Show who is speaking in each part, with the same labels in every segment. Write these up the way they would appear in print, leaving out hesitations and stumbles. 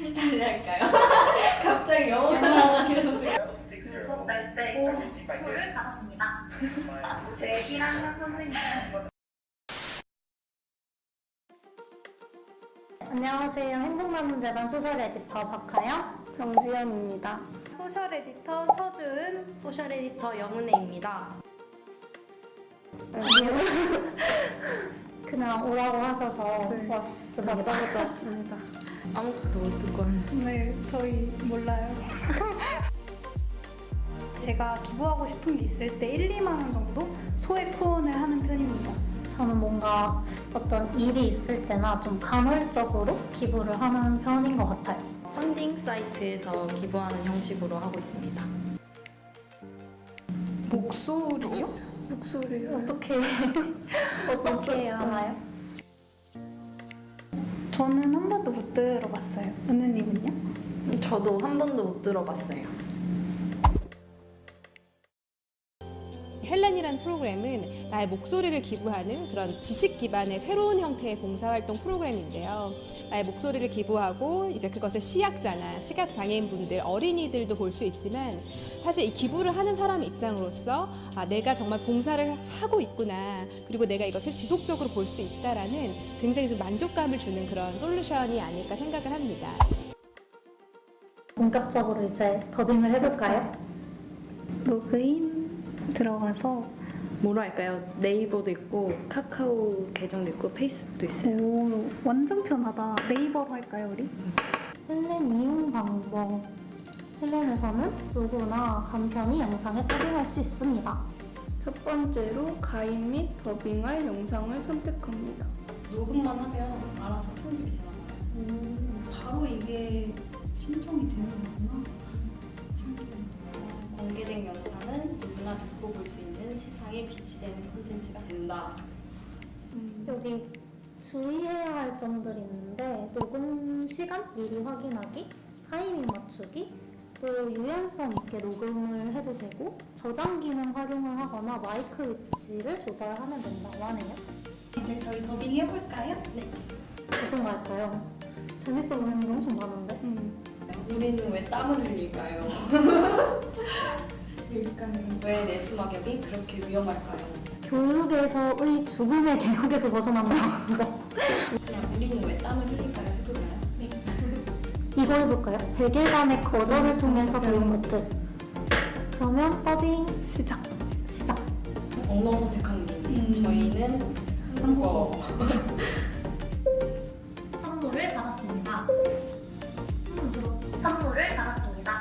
Speaker 1: 다시 할까요? 갑자기 영어가 나와가지고
Speaker 2: 6살 때 선물을 받았습니다. 제 1학년 선생님은
Speaker 3: 안녕하세요. 행복남문재단 소셜 에디터 박하영,
Speaker 4: 정지연입니다.
Speaker 5: 소셜 에디터 서준,
Speaker 1: 소셜 에디터 영은혜입니다.
Speaker 3: 그냥 오라고 하셔서
Speaker 4: 네.
Speaker 3: 왔습니다.
Speaker 4: 다짜고짜 왔습니다.
Speaker 1: 아무것도 못 듣고 왔는데
Speaker 5: 네, 저희 몰라요. 제가 기부하고 싶은 게 있을 때 1, 2만 원 정도 소액 후원을 하는 편입니다.
Speaker 3: 저는 뭔가 어떤 일이 있을 때나 좀 간헐적으로 기부를 하는 편인 것 같아요.
Speaker 1: 펀딩 사이트에서 기부하는 형식으로 하고 있습니다.
Speaker 5: 목소리요?
Speaker 4: 목소리요.
Speaker 3: 어떻게 하나요?
Speaker 5: 저는 한 번도 못 들어봤어요. 은혜님은요?
Speaker 1: 저도 한 번도 못 들어봤어요.
Speaker 6: 헬렌이라는 프로그램은 나의 목소리를 기부하는 그런 지식 기반의 새로운 형태의 봉사활동 프로그램인데요. 나의 목소리를 기부하고 이제 그것을 시약자나 시각장애인분들, 어린이들도 볼 수 있지만 사실 이 기부를 하는 사람 입장으로서 내가 정말 봉사를 하고 있구나, 그리고 내가 이것을 지속적으로 볼 수 있다라는 굉장히 좀 만족감을 주는 그런 솔루션이 아닐까 생각을 합니다.
Speaker 3: 본격적으로 이제 더빙을 해볼까요?
Speaker 5: 로그인 들어가서
Speaker 1: 뭐로 할까요? 네이버도 있고 카카오 계정도 있고 페이스북도 있어요.
Speaker 5: 오, 완전 편하다. 네이버로 할까요, 우리?
Speaker 3: 헬렌 이용 방법. 헬렌에서는 누구나 간편히 영상에 더빙할 수 있습니다.
Speaker 4: 첫 번째로 가입 및 더빙할 영상을 선택합니다.
Speaker 1: 녹음만 하면 알아서 편집이 되나요?
Speaker 5: 바로 이게 신청이 되는 거구나.
Speaker 1: 공개된 영상은 누구나 듣고 볼 수 있는 세상에 빛이 되는 콘텐츠가 된다.
Speaker 3: 여기 주의해야 할 점들이 있는데 녹음 시간 미리 확인하기, 타이밍 맞추기, 또 유연성 있게 녹음을 해도 되고 저장 기능 활용을 하거나 마이크 위치를 조절하면 된다고 하네요.
Speaker 5: 이제 저희 더빙 해볼까요?
Speaker 3: 어떤 거 할까요? 재밌어 보이는 게 엄청 많은데?
Speaker 1: 우리는 왜 땀을 흘릴까요?
Speaker 5: 그러니까요.
Speaker 1: 왜 내수막염이 그렇게 위험할까요?
Speaker 3: 교육에서의 죽음의 개혁에서 벗어난다.
Speaker 1: 그냥 우리는 왜 땀을 흘릴까요? 해볼까요?
Speaker 3: 이거 해볼까요? 100일간의 거절을 통해서 배운 것들. 그러면 더빙 시작.
Speaker 1: 언어 선택하는 게 저희는 한국어.
Speaker 2: 선물을 받았습니다. 선물을 받았습니다.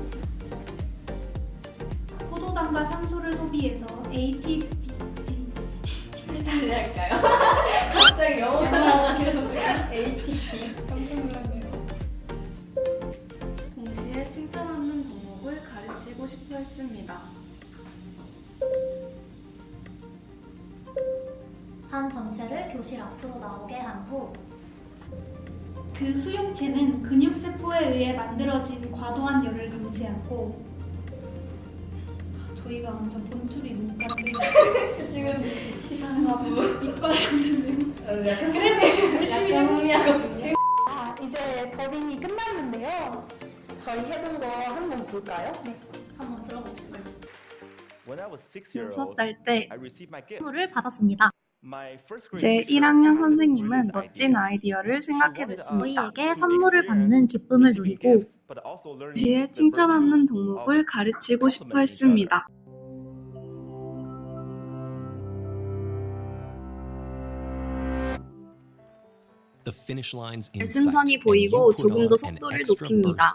Speaker 5: 포도당과 산소를 소비해서 ATP
Speaker 1: 다시 할까요? 갑자기 영어가 나와가지고 ATP.
Speaker 5: 깜짝 놀랐네요.
Speaker 4: 동시에 칭찬하는 덕목을 가르치고 싶어 했습니다.
Speaker 2: 한 전체를 교실 앞으로 나오게 한 후
Speaker 5: 그 수용체는 근육세포에 의해 만들어진 과도한 열을 감지하고 저희가 완전 본투비 문과인데
Speaker 1: 지금 시상하고
Speaker 5: 이과였는데요.
Speaker 1: 약간
Speaker 5: 그래도 열심히
Speaker 1: 약간
Speaker 5: 해봅시다.
Speaker 1: 흥미하거든요.
Speaker 5: 이제 더빙이 끝났는데요.
Speaker 6: 저희 해본 거 한번 볼까요?
Speaker 2: 한번 들어봅시다.
Speaker 7: When I was 6
Speaker 4: 6살 때
Speaker 7: I received my gift.
Speaker 2: 선물을 받았습니다.
Speaker 4: 제 1학년 선생님은 멋진 아이디어를 생각해냈습니다.
Speaker 2: 저희에게 선물을 받는 기쁨을 누리고
Speaker 4: 동시에 칭찬하는 덕목을 가르치고 싶어 했습니다.
Speaker 8: 결승선이 보이고 조금 더 속도를 높입니다.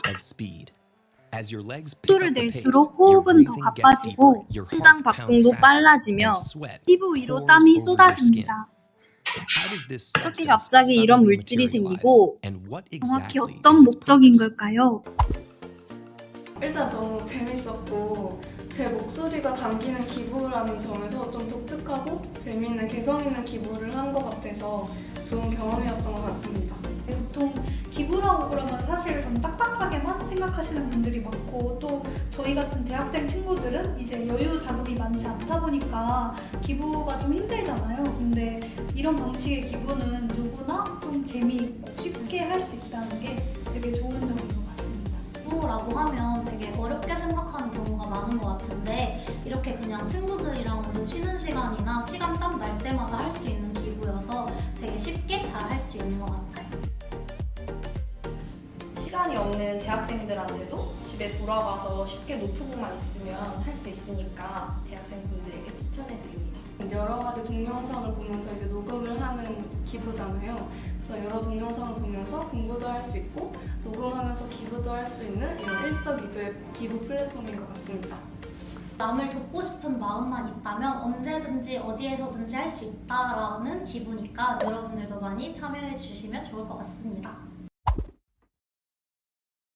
Speaker 8: 속도를 낼수록 호흡은 더 가빠지고 심장 박동도 빨라지며 피부 위로 땀이 쏟아집니다. 어떻게 갑자기 이런 물질이 생기고 정확히 어떤 목적인 걸까요?
Speaker 4: 일단 너무 재밌었고 제 목소리가 담기는 기부라는 점에서 좀 독특하고 재미있는 개성 있는 기부를 한 것 같아서 좋은 경험이었던 것 같습니다.
Speaker 5: 보통 기부라고 그러면 사실 좀 딱딱하게만 생각하시는 분들이 많고 또 저희 같은 대학생 친구들은 이제 여유 자금이 많지 않다 보니까 기부가 좀 힘들잖아요. 근데 이런 방식의 기부는 누구나 좀 재미있고 쉽게 할 수 있다는 게 되게 좋은 점인 것 같습니다.
Speaker 2: 기부라고 하면 되게 어렵게 생각하는 경우가 많은 것 같은데 이렇게 그냥 친구들이랑 먼저 쉬는 시간이나 시간 짬 날 때마다 할 수 있는 기부여서 되게 쉽게 잘 할 수 있는 것 같아요.
Speaker 1: 시간이 없는 대학생들한테도 집에 돌아가서 쉽게 노트북만 있으면 할 수 있으니까 대학생분들에게 추천해드립니다.
Speaker 4: 여러 가지 동영상을 보면서 이제 녹음을 하는 기부잖아요. 그래서 여러 동영상을 보면서 공부도 할 수 있고 녹음하면서 기부도 할 수 있는 이런 일석이조의 기부 플랫폼인 것 같습니다.
Speaker 2: 남을 돕고 싶은 마음만 있다면 언제든지 어디에서든지 할 수 있다라는 기부니까 여러분들도 많이 참여해 주시면 좋을 것 같습니다.